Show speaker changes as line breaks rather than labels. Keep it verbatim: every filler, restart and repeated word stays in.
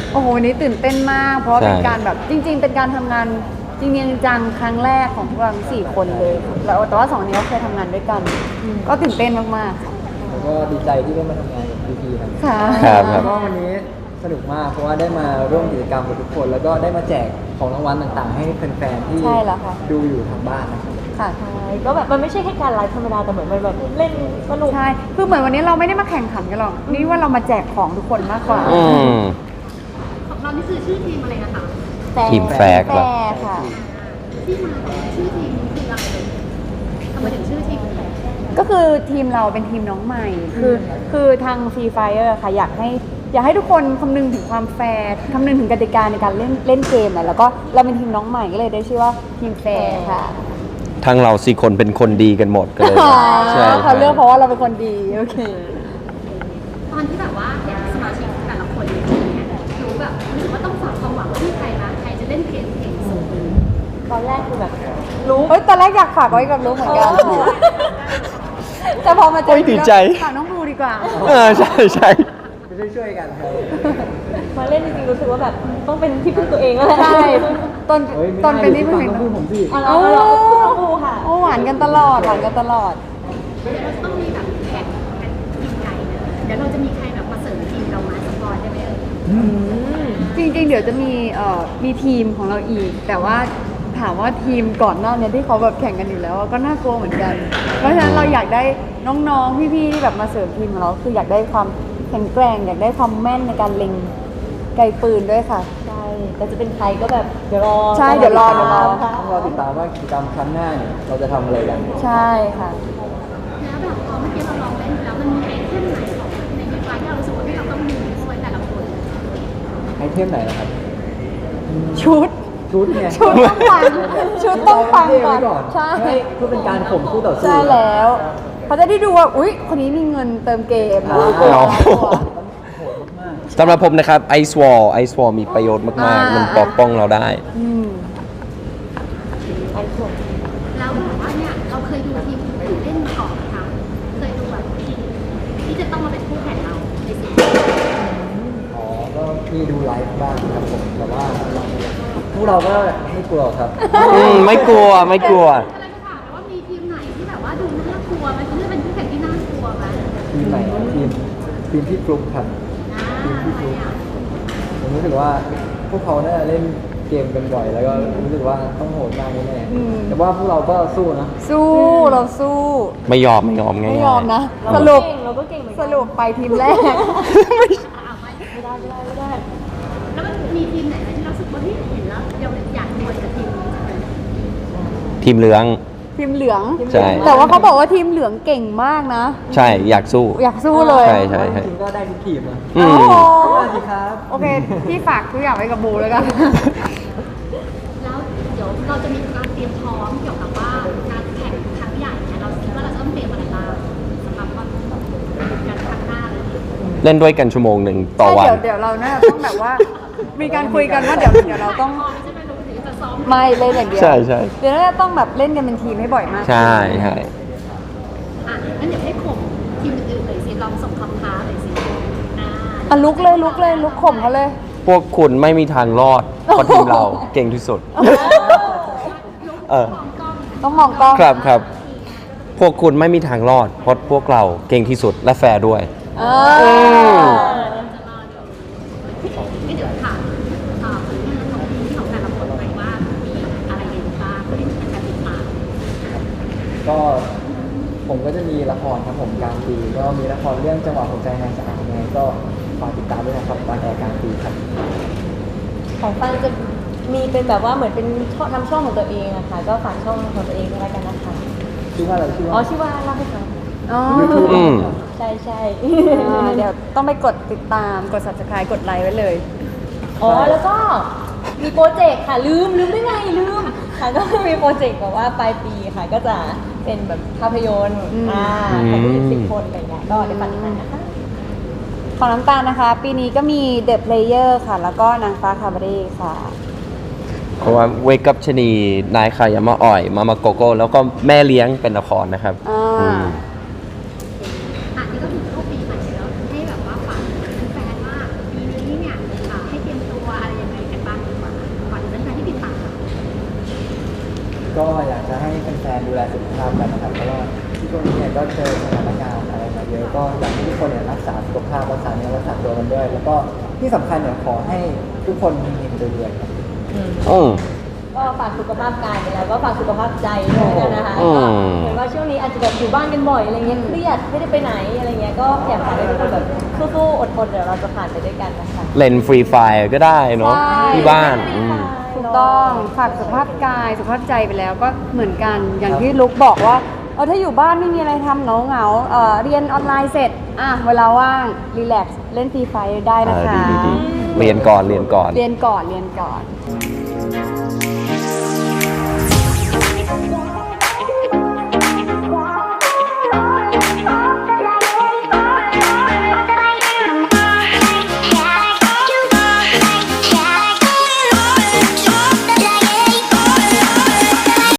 โอ้โหวันนี้ตื่นเต้นมากเพราะว่าเป็นการแบบจริงๆเป็นการทำงานจริงๆจังครั้งแรกของพวกเราทั้งสี่คนเลยแล้วแต่ว่าสองนี้เราเคยทำงานด้วยกันก็ตื่นเต้นมากๆค่ะ
แล้วก็ดีใจที่ได้มาทำงานกับพี่ๆครับ
ค่ะ
ครับค
แล้
รั
ว
บ
ก็วันนี้สนุกมากเพราะว่าได้มาร่วมกิจกรรมกับทุกคน แล้วก็ได้มาแจกของรางวัลต่างๆ ให้แฟนๆที่
ใช่แล้วค่ะ
ดูอยู่ทางบ้านนะครับ
ค่ะ
ใช่ก็แบบมันไม่ใช่แค่การไลฟ์ธรรมดาแต่เหมือนมันแบบเล่นสนุก
ใช่คือเหมือนวันนี้เราไม่ได้มาแข่งขันกันหรอกนี่ว่าเรามาแจกของทุกคนมากกว่า
อืม
ของเรานี่คือชื่อทีมอะไรนะคะ
ทีมแฟร์ครับ
แฟร์ค่ะ
ที่มาของชื่อทีมคืออะไรทำไมถึงชื่อทีมแฟร์
ก็คือทีมเราเป็นทีมน้องใหม่ คือคือทาง Free Fire ค่ะอยากให้อยากให้ทุกคนคำนึงถึงความแฟร์คำนึงถึงกติกาในการเล่นเล่นเกมแหละแล้วก็เราเป็นทีมน้องใหม่ก็เลยได้ชื่อว่าทีมแฟร์ค่ะ
ทั้งเราสี่คนเป็นคนดีกันหมดก็เลย
อ๋อ
ใช่
เขาเลือกเพราะว่าเราเป็นคนดีโอเค
ตอนที่แบบว่าเห็นสมาชิกแต่ละคนเนี่ยรู้แบบรู้สึกว่าต้องฝากความหวังไว้ที่ใครนะใครจะเล่นเกมเก่งสุด
ตอนแรกคือแบบรู้
เฮ้ยตอนแรกอยากฝากไว้กับลูกเหมือนกันแต่พอมาเจ
โอ้
อย
ดีใจ
ฝากน้องบลูดีกว่า
เออใช่ใช่
จะช่วยๆกันครับ
มาเล่นจริงๆรู้สึกว่าแบบต้องเป็นที่พึ่งตัวเองแล้วแหละ
ใช่ตอน
เฮ้ยไม่
ตอน
ได้
เป็นที่
ฟั
เพิ่
ง
ง
ต้องพูดผมสิ
เอาเราเราเราบูค่ะ
โอ้หวานกันตลอดหวานกันตลอด
เดี๋ยวเราจะต้องมีแบบแข่งกันทีมใหญ่นะเดี๋ยวเราจะมีใครแบบมาเสริมทีมเรามาสปอยได้ไหมเอ่ย
จริงๆ เดี๋ยวจะมีเอ่อมีทีมของเราอีก แต่ว่าถามว่าทีมก่อนหน้าเนี้ที่เขาแบบแข่งกันอยู่แล้วก็น่ากลัวเหมือนกัน เพราะฉะนั้นเราอยากได้น้องๆ พี่ๆ ที่แบบมาเสริมทีมของเราคืออยากได้ความแข็งแกร่งอยากได้ความแม่นในการเล็งไกลปืนด้วยค่ะ
ใช่แต่จะเป็นใครก็แบบเดี๋ยวรอ
ใช่เดี๋ยวรอเดี๋ยวรอ
ค่ะ
ต้องรอติดตามว่ากิจกรรมครั้งหน้าเนี่ยเราจะทำอะไรกัน
ใช่ค่ะ
แล้วแบบพอเมื่อกี้เราลองเล่นแล้วมันมีไอเทมไหนของในเกมไฟที่เรารู้สึกว่าที่เราต้องมีด้วยแต่ละคน
ไอเทมไหนนะครับ
ชุด
ชุดเนี่ย
ชุดต้องปังชุดต้องปังก่อน
เาไว้
ใช่
เพื่อเป็นการข่มคู่ต่อสู้
ใช่แล้วเขาจะได้ดูว่าอุ๊ยคนนี้มีเงินเติมเกมนะ
อ๋อ
โหดมาก
สำหรับผมนะครับไอซ์วอลไอซ์วอลมีประโยชน์มากๆ มันปกป้องเราได้
อืม
ไอ้ส่วน
แล้วแบบว่าเนี่ยเราเคยดูทีมอื่นเล่นมาก่อนไหมคะเคยดูแบบทีมที่จะต้องมาเป็นคู่แข่งเราในซีซั่น
อ๋อ ก็มีดูไลฟ์บ้างครับผม แต่ว่าพวกเราก็ไม่กลัวครับ
อืมไม่กลัวไม่กลัว
ก็เลยจะถามว่ามีทีมไหนที่แบบว่าดูน่ากลัวไหมที่เป็นคู่แข่งที่น่ากลัวไหม
ทีมไหนครับทีมทีมที่กรุ๊ปครับ
อ่า
ทีมที่
ทำ
ก
ไม
รุ๊ป
อ่ะ
ผมรู้สึกว่าพวกเขาน่าจะเล่นเกมกันบ่อย แล้วก็รู้สึกว่าต้องโหดมากแน่
อืม
ๆแต่ว่าพวกเราก็สู้นะ
สู้เราสู้
ไม่ยอมไม่ยอมง่ายๆ
ไม่ยอมนะ
เรา
ส
ก็
รุป
เก่งเราก็เก่งเหมือน
ส
กัน
รุปไปทีมแรก
อ่ะไม่
ไม่ได้ไม่ได้ไม่ได้
แล้วมันมีทีมไหนไหมที่เรารู้สึกว่าเฮ้ยเห็นแล้วเราอยากดวลกับทีมนี้จังเลย
ทีมเหลือง
ทีมเหลือง
ใช่
แต่ว่าเขาบอกว่าทีมเหลืองเก่งมากนะ
ใช่อยากสู้
อยากสู้เลย
ใช่ใช่ใช่
ทีมก็ได้ทุกทีมนะ
อื
โอ้
ม
โห
สวัสดีครับ
โอเค พี่ฝากทุกอย่างไว้กับบูแล้วกัน
แล้วเดี๋ยวเราจะมีการเตรียมพร้อมเกี่ยวกับว่าการแข่งครั้งใหญ่เนี่ยเราคิดว่าเราจะต้องเตรียมอะไรบ้างสำหรับวันการครั้งหน้าเลย
เล่นด้วยกันชั่วโมงหนึ่งต่อ
ใช่
วัน
เดี๋ยวเดี๋ยวเราน่าจะต้องแบบว่า มีการคุยกันว่าเดี๋ยวเดี๋ยวเราต้อง
พร้อมใช่ไหมเราถึงจะซ้อม
ไม่เล่นอย่างเดียว
ใช่ใช่
เดี๋ยวน่าจะต้องแบบเล่นกันเป็นทีมให้บ่อยมาก
ใช่ใช่
อ่ะงั้นเดี๋ยวให้ข่มทีมอื่นๆเลยสิลองส่งคำท้าเลยสิอ่า
อ่ะลุกเลยลุกเลยลุกข่มเขาเลย
พวกคุณไม่มีทางรอดเพราะทีมเราเก่งที่สุด เออ
ต้องมองกล้อง
ครับครับ พวกคุณไม่มีทางรอด เพราะพวกเราเก่งที่สุดและแฟร์ด้วย
เอ
อื
อ
ม
ก็เดี๋ยวถามอ่าผลงานของทีมของแต่ละคนไปว่ามีอะไรเด่นบ้างเป็นการติดตาม
ก็ผมก็จะมีละครครับผมกลางปีก็มีละครเรื่องจังหวะหัวใจนายสาวยังไงก็ฝากติดตามด้วยนะครับตอนแอร์กลางปีครับ
ของฟันจะมีเป็นแบบว่าเหมือนเป็นช่องทำช่องของตัวเองอะค่ะ ก็ฝากช่องของตัวเองด้วยแล้วกันนะคะ
ชื่อว่าอะไรชื่อ
อ๋อ
ว่า
ชื่อว่าเล่าให้ฟัง
อ๋อ
อืม
ใช่ใช่
อ่าเดี๋ยวต้องไปกดติดตามกด subscribe กดไลค์ไว้เลย
อ๋อแล้วก็มีโปรเจกต์ค่ะลืมลืมได้ไงลืมค่ะก็มีโปรเจกต์แบบว่าปลายปีค่ะ ก็จะเป็นแบบภาพยนตร์
อืม
อ่าของผู้หญิงสิบคนอะไรเงี้ยก็เดี๋ยวฝากติดตามนะคะ
ของน้ำตาลนะคะ ปีนี้ก็มี The Player ค่ะ แล้วก็นางฟ้าคาบาเร่ค่ะ
เพราะว่าเวกับชนีนายขายามาอ่อย มามาโกโก้ แล้วก็แม่เลี้ยงเป็นละครนะครับ
อ่า
อืม
อ่ะนี่ก็ถึงเข้าปีใหม่แล้วให้แบบว่าฝากแฟนๆว่าปีนี้เนี่ยอ่าให้เตรียม
แลสุขภาพกันนะครับเพราะว่าช่วงนี้เนี่ยก็เจอสถานการณ์อะไรมาเยอะก็อยากให้ทุกคนเนี่ยรักษาสุขภาพรักษาเนื้อรักษาตัวกันด้วย แล้วก็ที่สำคัญเนี่ยขอให้ทุกคนมีเงินเดือนครับ
อืม
อืม
ก็ฝากสุขภาพกายไปแล้วก็ฝากสุขภาพใจด้วยกันนะคะ
อื
ก็
ม
เห็นว่าช่วงนี้อาจจะแบบอยู่บ้านกันบ่อยอะไรเงี้ยเครียดไม่ได้ไปไหนอะไรเงี้ยก็อยากฝากให้ทุกคนแบบสู้ๆอดทนเดี๋ยวเราจะผ่านไปด้วยกันนะคะ
เล่นฟรีไฟร์ก็ได้เนาะ
ใช่
ที่บ้านอืม
ถูกต้องฝากสุขภาพกายสุขภาพใจไปแล้วก็เหมือนกันอย่างที่ลุกบอกว่าเออถ้าอยู่บ้านไม่มีอะไรทำเหงาเหงาๆเอ่อเรียนออนไลน์เสร็จอ่ะเวลาว่างรีแลกซ์เล่นฟรีไฟได้
อ่า
นะคะ
ดีดีดีเรียนก่อนเรียนก่อน
เรียนก่อนเรียนก่อน